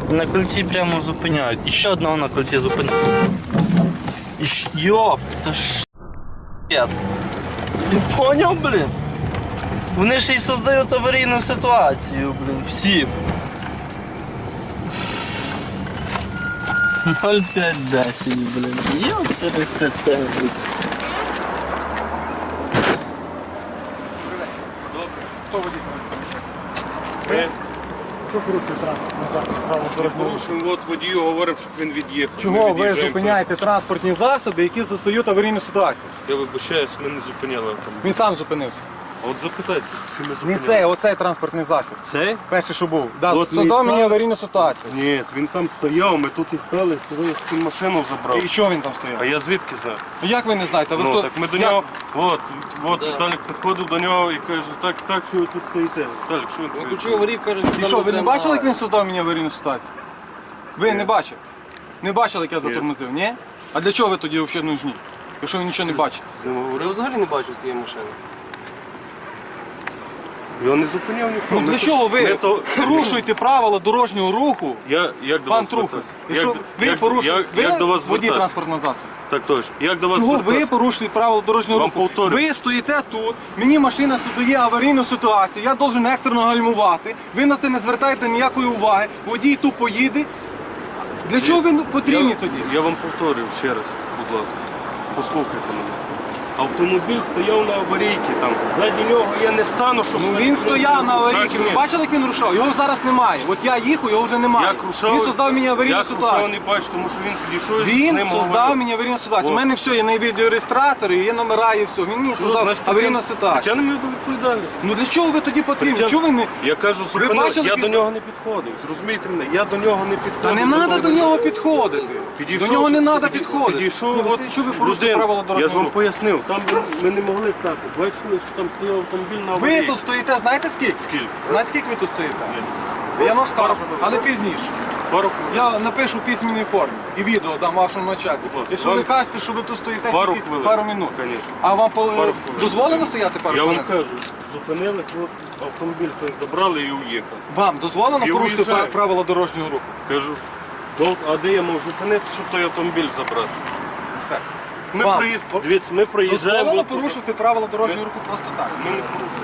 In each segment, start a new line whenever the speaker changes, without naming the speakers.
На кольці прямо зупиняють. І ще одного на кольці зупиняють. Йоп, та ж п'яц. Ти поняв, блін? Вони ж і создають аварійну ситуацію, блін, всім. 0,5-10, блін. Йоп, пересете, блін.
Хто водій?
Ми
Що порушує транспортний
порушуємо, от водію говоримо, щоб він від'їхав.
Чого
Ми
ви
від'їжджаємо.
зупиняєте транспортні засоби, які застають аварійну ситуацію?
Я вибачаюсь, ми не зупиняли автомобіль.
Він сам зупинився.
А от запитайте, чи ми
Не
зупиняли.
цей, оцей транспортний засіб.
Цей?
Перший, що був. Да,
От
создав
не
мені
так.
аварійну ситуацію.
Ні, він там стояв, ми тут і стали, сказали, що він машину забрав.
І що він там
А
стояв?
я звідки знаю?
Ну, як ви не знаєте? Ви
Ну,
хто?
так ми до
Як?
нього, от Віталік підходив до нього і каже, так, що ви тут стоїте? Віталік, що він тут?
І що, ви не бачили, як він создав мені аварійну ситуацію? Ви не бачили? Не бачили, як я затормозив, ні? А для чого ви тоді взагалі нужні? Якщо ви нічого не бачите?
Я взагалі не бачу цієї машини.
Його не зупиняв ніхто.
Ну
Ми
для
тут-
чого ви
ми то-
порушуєте правила дорожнього руху?
Як до
Пан
вас
Трухов,
звертатися?
якщо ви порушуєте,
як до вас
водій
звертатися?
транспортного засобу.
Так точно. Як до вас
Чого ви
звертатися?
порушуєте правила дорожнього
Вам
руху?
повторюю.
Ви стоїте тут, мені машина создає аварійну ситуацію, я должен екстрено гальмувати, ви на це не звертаєте ніякої уваги, водій тупо їде. Для чого ви потрібні тоді?
Я вам повторюю ще раз, будь ласка. Послухайте мене. Автомобіль стояв на аварійці там. Ззаді нього я не стану, щоб...
Ну він стояв на аварійці, ви бачили, як він рушав? Його зараз немає. От я їхав, його вже немає.
Як рушав,
Він создав мені аварійну
як рушав,
ситуацію.
не бачу, тому що він підійшов і з
Він
ним
создав
говорив.
мені аварійну ситуацію. У
От.
мене все, є на відеореєстратори, є номера, є все. Він мені создав
Значить,
аварійну ситуацію.
Притягнемо його до відповідальності.
Ну для чого ви тоді потрібні? Чого ви не...
Я кажу, зупинив,
бачили,
я
під-
до нього не підходив. Зрозумійте мене, я до нього не підходив.
Та не треба до нього підходити.
Підійшов,
До нього не треба
підійшов,
підходити.
Підійшов,
Ні,
от
Василь, що ви порушите
людина.
правила
Я ж
дорожнього
вам
руху?
пояснив, там ми не могли стати. Бачили, що там стояв автомобіль на
Ви
аварії.
тут стоїте, знаєте скільки?
Скільки?
Знаєте, скільки ви тут стоїте? Я вам скажу, але пізніше.
Пару
Я напишу в письменній формі і відео дам вашому начальству.
ласка.
Якщо ви кажете, що ви тут стоїте
Пару
тільки
хвилин.
пару минут.
Конечно.
А вам
хвилин.
дозволено стояти пару
Я вам
хвилин?
кажу, зупинились, от автомобіль цей забрали і уїхали.
Вам дозволено
Я
порушити
уїжджаю.
правила дорожнього руху?
Кажу, а де я мав зупинитися, щоб той автомобіль забрати?
Інспектор.
Ми
Вам
Дивіться, ми проїжджаємо.
дозволено
от тут.
порушити правила дорожнього руху просто так?
Ми не порушуємо.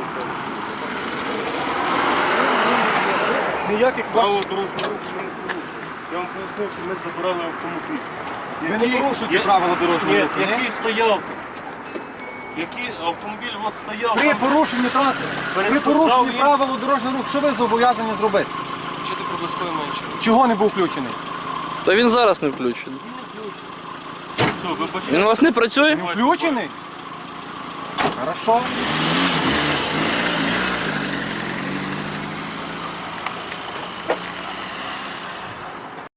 Ніяких
Право дорожнього руху ми не порушуємо. Я вам пояснив, що ми забрали автомобіль.
Ви не порушуєте правила дорожнього
Ні,
руху, ні?
який стояв. Який автомобіль от стояв.
При
там.
порушенні транспорту, при
Перешкоджав
порушенні
він.
правил дорожнього руху, що ви зобов'язані зробити?
Чи ти проблисковий менше?
Чого не був включений?
Та він зараз не включений.
Все, вибачте.
Він у вас не працює?
Включений? Хорошо.